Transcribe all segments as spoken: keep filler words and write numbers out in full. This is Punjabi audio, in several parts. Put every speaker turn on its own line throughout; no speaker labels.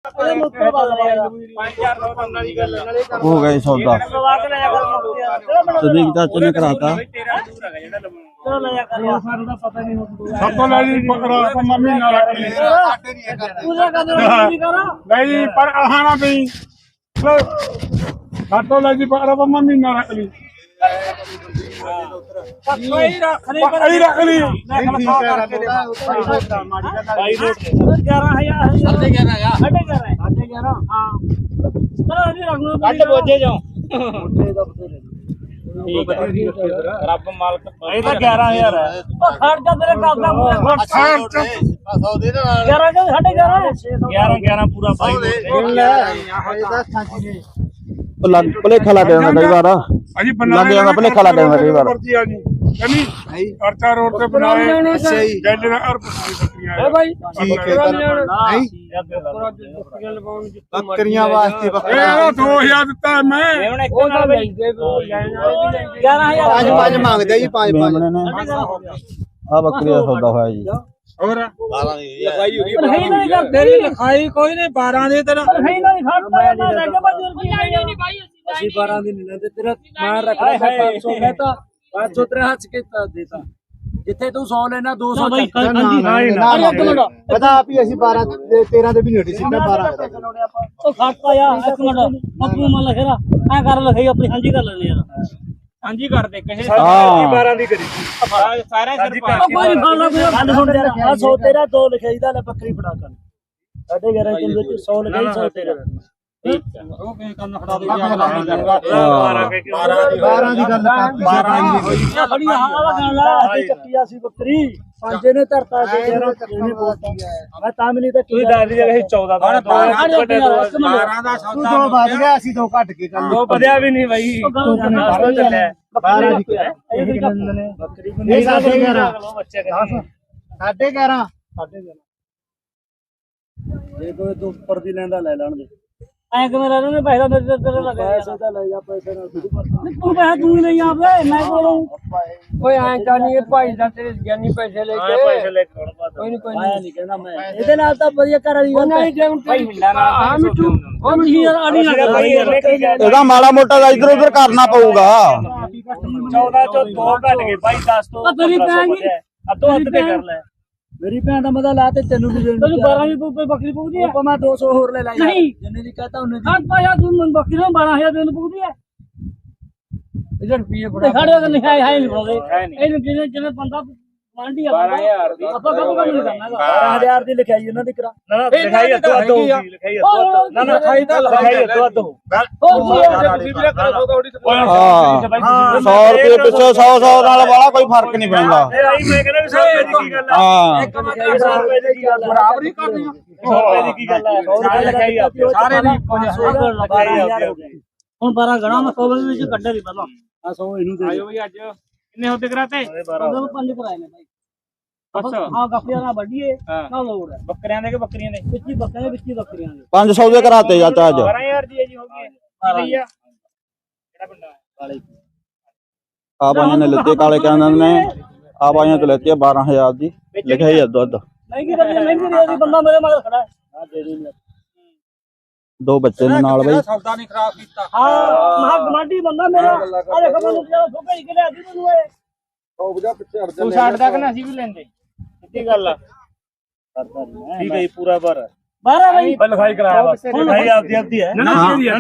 हो गए सौदा सदीक चाचे ने कराता
महीना रख ली
रब मालक ग्यारह हजार ग्यारह ग्यारह पूरा
भुलेखा लग जाता कई बार लग जाता भुलेखा लग जाता कई बार
अर्चा रोड से बनाए
बकरियां वास्ते
दो हजार दिता मैं
पांच मांगदे जी पांच पांच आ बकरी का सौदा होया जी
और
लिखाई कोई नहीं बारह दे तेरा
ਅਸੀਂ बारह दिन नहीं लेते तेरा मार रख रहा है पाँच सौ कहता पाँच सौ तेरे हाथ के देता जिथे तू सौ लेना दो सौ
पता आप ही ਅਸੀਂ बारह तेरह ਦੇ ਵੀ ਨਹੀਂ ਸੀ ਮੈਂ बारह
ਉਹ ਖਾਤਾ ਯਾ ਇੱਕ ਮਿੰਟ ਬੱਬੂ ਮਨ ਲਖੇਰਾ ਐ ਕਰ ਲਖਾਈ ਆਪਣੀ ਹਾਂਜੀ ਕਰ ਲੈਣੇ ਯਾਰ
ਹਾਂਜੀ ਕਰ ਦੇ ਕਹੇ
बारह ਦੀ ਕਰੀ
ਸਾਰਾ ਸਿਰ ਪਾ
ਕੋਈ ਨਹੀਂ ਖਾਣਾ ਕੋਈ ਗੱਲ ਸੁਣ ਯਾਰ ਆ ਸੌ ਤੇਰਾ ਦੋ ਲਿਖਾਈ ਦਾ ਲੈ ਬੱਕਰੀ ਫੜਾ ਕਰ ਸਾਡੇ ਗਿਆਰਾਂ ਦੇ ਵਿੱਚ ਸੌ ਲਿਖਾਈ ਸੌ ਤੇਰਾ
ਠੀਕ ਹੈ ਉਹ ਕਿਹ ਕੰਮ ਖੜਾ ਦੇ
ਬਾਰਾਂ ਦੀ
ਬਾਰਾਂ ਦੀ ਗੱਲ ਬਾਰਾਂ ਦੀ ਹੋਈ ਖੜੀ ਆ ਵਾਲਾ ਗੱਲ ਆ ਚੱਕੀਆ ਸੀ ਬੱਕਰੀ ਪੰਜੇ ਨੇ ਧਰਤਾ ਤੇ ਗਿਆਰਾਂ ਇਹਨੇ ਬੋਲਤੀ ਮੈਂ ਤਾਂ ਵੀ ਨਹੀਂ ਤਾਂ
ਤੁਸੀਂ ਦੱਸ ਦੀ ਜਗ੍ਹਾ ਚੌਦਾਂ ਦਾ
ਬਾਰਾਂ
ਦਾ
ਤੂੰ ਦੋ ਵੱਧ ਗਿਆ ਅਸੀਂ ਦੋ ਘੱਟ ਕੇ ਕਰ
ਦੋ ਵਧਿਆ ਵੀ ਨਹੀਂ ਬਾਈ ਬਾਹਰੋਂ ਚੱਲਿਆ
ਬਾਰਾਂ ਦੀ
ਬੱਕਰੀ
ਨਹੀਂ ਸਾਡੇ ਗਿਆਰਾਂ
ਬੱਚੇ
ਸਾਡੇ ਗਿਆਰਾਂ
ਜੇ ਕੋਈ ਤੂੰ ਉੱਪਰ ਦੀ ਲੈਂਦਾ ਲੈ ਲੈਣ ਦੇ ਐ ਕਿਵੇਂ ਲੈ ਲੈਣੇ ਪੈਸਾ ਮੇਰੇ ਤੇਰੇ ਲੱਗਾ ਪੈਸੇ ਤਾਂ ਲੈ ਜਾ ਪੈਸੇ ਨਾਲ ਤੂੰ ਪੈਸਾ ਤੂੰ ਨਹੀਂ ਆਪੇ ਮੈਂ ਕੋਲੋਂ ਓਏ ਐ ਜਾਨੀ ਭਾਈ ਦਾ ਤੇਰੇ ਗਿਆਨੀ ਪੈਸੇ ਲੈ ਕੇ
ਪੈਸੇ ਲੈ ਕੇ
ਕੋਈ ਨਹੀਂ ਕੋਈ ਨਹੀਂ ਕਹਿੰਦਾ ਮੈਂ ਇਹਦੇ ਨਾਲ ਤਾਂ ਵਧੀਆ ਘਰ ਵਾਲੀ ਗੱਲ ਨਹੀਂ ਜੇ
ਭਾਈ ਮਿੰਡਾ ਨਾਲ
ਹਾਂ ਮਿੱਠੂ ਉਹ ਮਿੱਠੀ ਯਾਰ ਆੜੀ ਲੱਗਾ
ਇਹਦਾ ਮਾੜਾ ਮੋਟਾ ਇਧਰ ਉਧਰ ਕਰਨਾ ਪਊਗਾ
ਚੌਦਾਂ ਚੋਂ ਦੋ ਘਟ ਗਏ ਭਾਈ ਦਸ ਤੋਂ
ਤੇਰੀ ਭੈਣ ਦੀ
ਅੱਧੋ ਅੱਧ ਤੇ ਕਰ ਲੈ
ਮੇਰੀ ਭੈਣ ਦਾ ਮਦਾ ਲਾ ਤੇ ਤੈਨੂੰ ਵੀ ਦੇਣ ਤੈਨੂੰ ਬਾਰਾਂ ਵੀ ਕੋਈ ਬੱਕਰੀ ਪੂਗਦੀ ਹੈ ਮੈਂ ਦੋ ਸੌ ਹੋਰ ਲੈ ਲਾਈ ਨਹੀਂ ਜਿੰਨੇ ਦੀ ਕਹਤਾ ਉਹਨੇ ਦੀ ਹਾਂ ਪਾਇਆ ਤੂੰ ਮਨ ਬੱਕਰੀ ਨੂੰ ਬਾਰਾਂ ਹਜ਼ਾਰ ਦੇਣ ਪੂਗਦੀ ਹੈ ਇਧਰ ਰੁਪਏ ਫੜਾ ਸਾਡੇ ਕੋਲ ਨਹੀਂ ਹੈ ਹੈ ਨਹੀਂ ਬੋਲਦੇ ਇਹਨੂੰ ਜਿਹਨੇ ਜਿਹਨੇ ਬੰਦਾ ਮੰਡੀ ਆ
ਬਾਰਾਂ ਹਜ਼ਾਰ ਦੀ
ਆਪਾਂ ਕੰਮ ਕੰਮ ਨਹੀਂ ਕਰਨਾ ਬਾਰਾਂ ਹਜ਼ਾਰ ਦੀ ਲਿਖਾਈ ਉਹਨਾਂ ਦੀ ਕਰਾ
ਨਾ ਨਾ ਲਿਖਾਈ ਅੱਧੋ ਅੱਧ ਹੋਊਗੀ ਲਿਖਾਈ ਅੱਧੋ ਨਾ ਨਾ ਲਿਖਾਈ ਤਾਂ ਲਿਖਾਈ ਅੱਧੋ ਅੱਧ ਹੋ
ਹਾਂ ਸੌ ਰੁਪਏ ਪਿੱਛੇ ਸੌ ਸੌ ਨਾਲ ਵਾਲਾ ਕੋਈ ਫਰਕ ਨਹੀਂ ਪੈਂਦਾ
ਮੈਂ ਕਹਿੰਦਾ ਵੀ ਸੌ ਰੁਪਏ ਦੀ ਕੀ ਗੱਲ ਹੈ
ਹਾਂ
ਇੱਕ ਮਿੰਟ ਸੌ ਰੁਪਏ ਦੀ ਕੀ ਗੱਲ ਹੈ ਬਰਾਬਰੀ ਕਰਨੀ ਸੌ ਰੁਪਏ ਦੀ ਕੀ ਗੱਲ ਹੈ ਸਾਰੇ ਲਿਖਾਈ ਆ ਸਾਰੇ ਦੀ ਇੱਕੋ ਜਿਹਾ
ਹੁਣ ਬਾਰਾਂ ਗਣਾ ਮੈਂ ਸੌ ਵਿੱਚ ਕੱਢੇ ਨਹੀਂ ਪਹਿਲਾਂ ਆ ਸੌ ਇਹਨੂੰ ਦੇ
ਆਇਓ ਵੀ ਅੱਜ ਕਿੰਨੇ ਹੁੰਦੇ ਕਰਾਤੇ
ਉਹਨੂੰ ਪੰਜ ਕਰਾਏ ਨੇ ਭਾਈ
ਅੱਛਾ
ਹਾਂ ਗੱਪੀਆਂ ਨਾਲ ਵੱਡੀਏ ਨਾ ਲੋੜ ਹੈ
ਬੱਕਰਿਆਂ ਦੇ ਕਿ ਬੱਕਰੀਆਂ ਦੇ
ਵਿੱਚੀ ਬੱਕਰੀਆਂ ਵਿੱਚੀ ਬੱਕਰੀਆਂ ਦੇ
ਪੰਜ ਸੌ ਦੇ ਕਰਾਤੇ ਚਾਚਾ ਅੱਜ
ਬਾਰਾਂ ਹਜ਼ਾਰ ਦੀ ਜੀ ਹੋ ਗਈ ਲਈਆ ਕਿਹੜਾ ਪਿੰਡ
ਕਾਲੇ
ਆ ਬਾਈਆਂ ਨੇ ਲੱਤੇ ਕਾਲੇ ਕਹਿੰਦੇ ਨੇ ਆ ਬਾਈਆਂ ਤੋਂ ਲੈਤੀ ਬਾਰਾਂ ਹਜ਼ਾਰ ਦੀ ਲਿਖਿਆ ਹੀ ਦੁੱਧ
ਮਹਿੰਗੀ ਮਹਿੰਗੀ ਮਹਿੰਗੀ ਬੰਦਾ ਮੇਰੇ ਮਗਰ ਖੜਾ ਹੈ ਆ ਦੇ ਦੇ
ਦੋ ਬੱਚੇ ਨੇ ਨਾਲ ਬਈ
ਸੌਦਾ ਨਹੀਂ ਖਰਾਬ ਕੀਤਾ
ਹਾਂ ਮਹਾ ਗਮਾਡੀ ਬੰਦਾ ਮੇਰਾ ਆ ਦੇਖੋ ਮੈਨੂੰ ਜਿਹੜਾ ਫੋਕੇ ਹੀ ਕਿਹੜਾ ਦੀ ਮੈਨੂੰ ਇਹ
ਉਹ ਬੁਝਾ ਪਿੱਛੇ ਅੜ
ਤੂੰ ਛੱਡਦਾ ਕਿ ਨਾ ਅਸੀਂ ਵੀ ਲੈਂਦੇ ਕਿੱਡੀ ਗੱਲ ਆ ਠੀਕ ਹੈ ਜੀ ਪੂਰਾ ਭਰ
ਬਾਰਾਂ ਬਈ
ਲਿਖਾਈ ਕਰਾਇਆ ਬਸ ਲਿਖਾਈ ਆਪਦੀ ਆਪਦੀ ਹੈ ਨਾ ਨਾ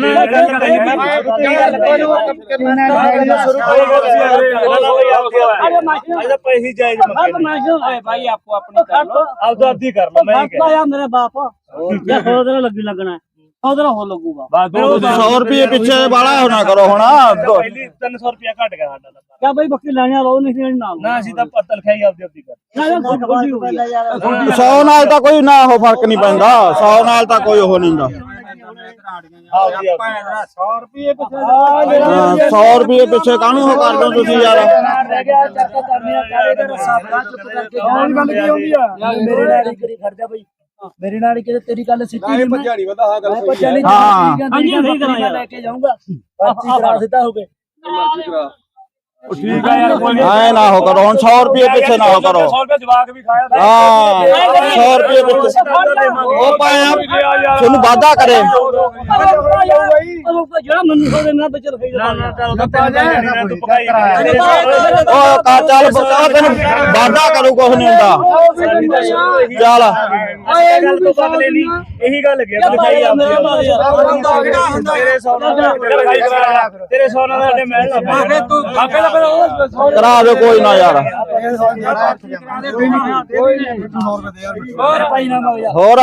ਅਰੇ ਮਾਸ਼ਾ
ਪੈਸੇ ਜਾਇਜ਼
ਅੱਲਾ ਮਾਸ਼ਾ
ਭਾਈ ਆਪੋ ਆਪਣੀ ਕਰ ਲੋ ਆਪਦਾ ਆਪਦੀ ਕਰ ਲੋ ਮੈਂ
ਮੈਂ ਆ ਮੇਰੇ ਬਾਪ ਜੇ ਖੋਦਰਾ ਲੱਗੀ ਲੱਗਣਾ ਖੋਦਰਾ ਹੋ ਲੱਗੂਗਾ
ਸੌ ਰੁਪਏ ਪਿੱਛੇ ਵਾਲਾ ਹੋਣਾ ਕਰੋ ਹੁਣ
ਪਹਿਲੀ ਤਿੰਨ ਸੌ ਰੁਪਏ ਘਟ ਗਿਆ ਸਾਡਾ
ਕਿਆ ਬਈ ਬੱਕਰੀ ਲੈਣੇ ਵਾਲਾ ਉਹ ਨਹੀਂ ਦੇਣ ਨਾਲ
ਨਾ ਅਸੀਂ ਤਾਂ ਪੱਤਲ ਖਾਈ ਆਪਦੀ ਆਪਦੀ ਕਰ
ਸੌ ਨਾਲ ਤਾਂ ਕੋਈ ਨਾ ਉਹ ਫਰਕ ਨਹੀਂ ਪੈਂਦਾ ਸੌ ਨਾਲ ਤਾਂ ਕੋਈ ਉਹ ਨਹੀਂ ਹੁੰਦਾ
ਸੌ ਰੁਪਏ ਪਿੱਛੇ
ਸੌ ਰੁਪਏ ਪਿੱਛੇ ਕਾਹਨੂੰ ਉਹ ਕਰਦੇ ਹੋ ਤੁਸੀਂ ਯਾਰ
ਰਹਿ ਗਿਆ ਚੱਕ ਕਰਨੇ ਆ ਕਾਲੇ ਦਾ ਰਸਾ ਬੜਾ ਚੁੱਪ ਕਰਕੇ
ਹੋਰ ਗੱਲ ਕੀ ਆਉਂਦੀ ਆ
ਮੇਰੇ ਨਾਲ ਹੀ ਕਰੀ ਖੜਦਾ ਬਈ ਮੇਰੇ ਨਾਲ ਕਿ ਤੇਰੀ ਗੱਲ ਸਿੱਧੀ ਨਹੀਂ
ਭੱਜਾ ਨਹੀਂ ਵਧਾ ਗੱਲ
ਕੋਈ
ਹਾਂ
ਹਾਂਜੀ ਸਹੀ ਕਰਾਂ ਲੈ ਕੇ ਜਾਊਂਗਾ ਪਰਚੀ ਕਰਾ ਸਿੱਧਾ ਹੋ ਕੇ
ਠੀਕ ਆ ਯਾਰ ਕੋਈ
ਐ ਨਾ ਹੋ ਕਰੋ ਹੁਣ ਸੌ ਰੁਪਏ ਪਿੱਛੇ ਨਾ ਹੋ ਕਰੋ
ਸੌ ਰੁਪਏ ਜਵਾਕ ਵੀ ਖਾਇਆ
ਹਾਂ ਸੌ ਰੁਪਏ ਪਿੱਛੇ ਉਹ ਪਾਇਆ ਤੁਹਾਨੂੰ ਵਾਅਦਾ ਕਰੇ
ਜਿਹੜਾ ਮੈਨੂੰ ਸੋ ਦੇਣਾ ਵਿੱਚ ਰਖਾਈ
ਨਾ ਨਾ ਚੱਲ ਤਾਂ ਤੂੰ ਪਕਾਈ
ਉਹ ਕਾ ਚੱਲ ਬਤਾ ਤੈਨੂੰ ਵਾਅਦਾ ਕਰੂ ਕੁਛ ਨਹੀਂ ਹੁੰਦਾ ਚੱਲ
ਇਹ ਗੱਲ ਤੋਂ ਬਦਲੇ ਨਹੀਂ ਇਹੀ ਗੱਲ ਗਿਆ ਲਿਖਾਈ ਆਪਦੀ ਤੇਰੇ ਸੌ ਨਾਲ ਲਿਖਾਈ ਕਰਾ ਤੇਰੇ ਸੌ ਨਾਲ ਸਾਡੇ ਮਹਿਲ ਨਾ ਪਏ ਤੂੰ ਆਪੇ ਦਾ ਫਿਰ
ਕਰਾ ਦੇ ਕੋਈ ਨਾ ਯਾਰ ਹੋਰ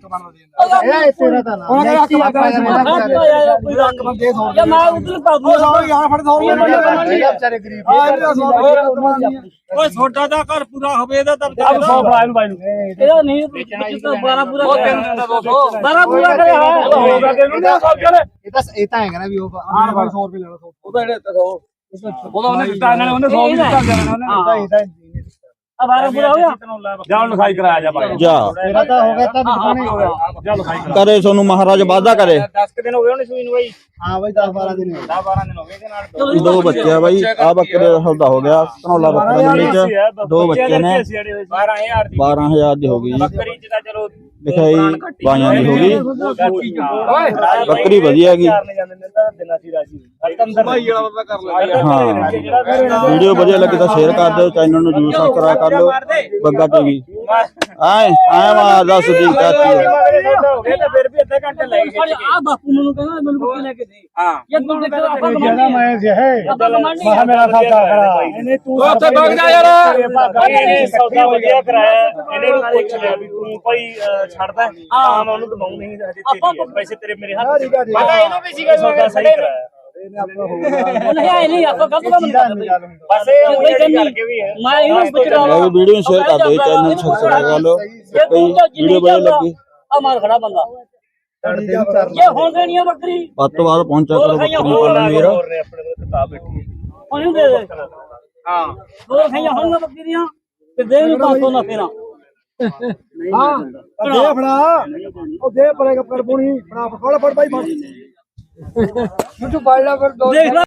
ਓਏ ਛੋਟਾ ਦਾ ਘਰ ਪੂਰਾ ਹੋਵੇ ਇਹਦਾ ਤਾਂ ਸੌ ਫੜਾ ਇਹਨੂੰ ਬਾਈ ਨੂੰ
ਇਹਦਾ ਨਹੀਂ ਬਾਰਾਂ ਪੂਰਾ ਬਾਰਾਂ ਪੂਰਾ ਕਰਿਆ
ਹੋਗਾ ਕਿ ਇਹਨੂੰ ਸੌ ਚਲੇ
ਇਹ ਤਾਂ ਇਹ ਤਾਂ ਹੈਗਾ ਨਾ ਵੀ ਉਹ ਆਣ ਸੌ ਰੁਪਏ ਲੈਣਾ ਸੌ
ਉਹਦਾ ਜਿਹੜੇ ਉਹਦਾ ਉਹਨੇ ਦਿੱਤਾ ਇਹਨਾਂ ਨੇ ਉਹਨੇ ਸੌ ਵੀ ਦਿੱਤਾ ਜਾਣਾ ਉਹਨੇ
ਇਹ ਤਾਂ
ਆ ਬਾਰਾਂ ਪੂਰਾ ਹੋ ਗਿਆ
ਜਾ ਹੁਣ ਲਿਖਾਈ ਕਰਾਇਆ ਜਾ ਬਾਈ
ਜਾ
ਤੇਰਾ ਤਾਂ ਹੋ ਗਿਆ ਤਾਂ ਦੁਕਾਨੇ ਹੋ ਗਿਆ
ਜਾ ਲਿਖਾਈ
ਕਰੇ ਤੁਹਾਨੂੰ ਮਹਾਰਾਜ ਵਾਅਦਾ ਕਰੇ
ਦਸ ਕਿ ਦਿਨ ਹੋ ਗਏ ਉਹਨੇ ਸੂਈ ਨੂੰ ਬਾਈ
ਹਾਂ ਬਾਈ ਦਸ ਬਾਰਾਂ ਦਿਨ
ਦਸ ਬਾਰਾਂ ਦਿਨ ਹੋ ਗਏ ਇਹਦੇ ਨਾਲ
ਦੋ ਬੱਚੇ ਆ ਬਾਈ ਆ ਬੱਕਰੇ ਦਾ ਸੌਦਾ ਹੋ ਗਿਆ ਧਨੌਲਾ ਬੱਕਰੇ ਮੰਡੀ ਚ ਦੋ ਬੱਚੇ ਨੇ
ਬਾਰਾਂ ਹਜ਼ਾਰ ਦੀ
ਬਾਰਾਂ ਹਜ਼ਾਰ ਦੀ ਹੋ ਗਈ ਜੀ
ਬੱਕਰੀ ਚ ਤਾਂ ਚਲੋ
ਲਿਖਾਈ ਬਾਈਆਂ ਦੀ ਹੋ ਗਈ ਬੱਕਰੀ ਵਧੀਆ ਹੈਗੀ
ਚਾਰ ਨੇ ਜਾਂਦੇ ਨੇ ਤਾਂ ਦਿਨਾਂ ਸੀ ਰਾਜੀ ਅੰਦਰ ਭਾਈ ਵਾਲਾ ਬੰਦਾ ਕਰ ਲੈ
ਹਾਂ ਵੀਡੀਓ ਵਧੀਆ ਲੱਗੀ ਤਾਂ ਸ਼ੇਅਰ ਕਰ ਦਿਓ ਚੈਨਲ ਨੂੰ ਜਰੂਰ ਸਬਸਕ੍ਰਾਈਬ ਕਰ ਲਓ ਬੱਗਾ ਟੀਵੀ ਆਏ ਆਏ ਮਾ ਦੱਸ ਦੀ ਚਾਚੀ
ਹੋ ਗਏ ਤਾਂ ਫਿਰ ਵੀ ਅੱਧਾ ਘੰਟਾ ਲੈ ਗਏ
ਆ ਬਾਪੂ ਮੈਨੂੰ ਕਹਿੰਦਾ ਮੈਨੂੰ ਬੱਕੀ ਲੈ ਕੇ ਦੇ
ਹਾਂ
ਇਹ ਤੂੰ ਦੇਖ ਆਪਾਂ
ਜਿਹੜਾ ਮੈਂ ਜਿਹੇ
ਮਹਾ ਮੇਰਾ ਸੌਦਾ ਕਰਾ ਇਹਨੇ ਤੂੰ ਉੱਥੇ ਵਗ ਜਾ ਯਾਰ ਇਹਨੇ ਸੌਦਾ ਵਧੀਆ ਕਰਾਇਆ ਇਹਨੇ ਨੂੰ ਪੁੱਛ ਲਿਆ ਵੀ ਤੂੰ ਭਾਈ ਛੱਡਦਾ ਹਾਂ ਮੈਂ ਉਹਨੂੰ ਦਵਾਉ ਨਹੀਂ ਹਜੇ ਤੇਰੀ ਪੈਸੇ ਤੇਰੇ ਮੇਰੇ ਹੱਥ ਪਤਾ ਇਹਨੂੰ ਵੀ ਸੀਗਾ ਸੌਦਾ ਸਹੀ ਕਰਾਇਆ
ਨਹੀਂ ਆਏ ਨਹੀਂ ਆਪਾਂ ਕੱਪ ਦਾ ਮੰਨ
ਬਸ ਇਹ ਉਹੀ ਕਰਕੇ ਵੀ ਹੈ
ਮੈਂ ਇਹਨੂੰ ਪੁੱਛਦਾ
ਇਹ ਵੀਡੀਓ ਨੂੰ ਸ਼ੇਅਰ ਕਰ ਦਿਓ ਚੈਨਲ ਨੂੰ ਸਬਸਕ੍ਰਾਈਬ ਕਰ ਲਓ ਕਈ ਵੀਡੀਓ ਵਧੀਆ ਲੱਗੀ
ਆ ਮਾਰ ਖੜਾ ਬੰਦਾ ਇਹ ਹੁਣ ਦੇਣੀ ਆ ਬੱਕਰੀ
ਵੱਧ ਤੋਂ ਵੱਧ ਪਹੁੰਚਿਆ ਕਰੋ ਬੱਕਰੀ ਪਾਲਣ ਵੀਰ
ਹੋਰ ਨੇ ਆਪਣੇ ਕੋਲ ਕਿਤਾਬ ਬੈਠੀ
ਉਹਨੂੰ ਦੇ ਦੇ
ਹਾਂ
ਦੋ ਖਾਈਆਂ ਹੁਣ ਬੱਕਰੀ ਦੀਆਂ ਤੇ ਦੇ ਨੂੰ ਪੰਜ ਸੌ ਨਾ ਫੇਰਾਂ
ਹਾਂ ਦੇ ਫੜਾ ਉਹ ਦੇ ਪਰੇਗਾ ਪਰ ਪੁਣੀ ਫੜਾ ਫੜ ਫੜ ਬਾਈ ਫੜ ਤੂੰ ਫੜ ਲੈ ਫਿਰ
ਦੇਖ ਲੈ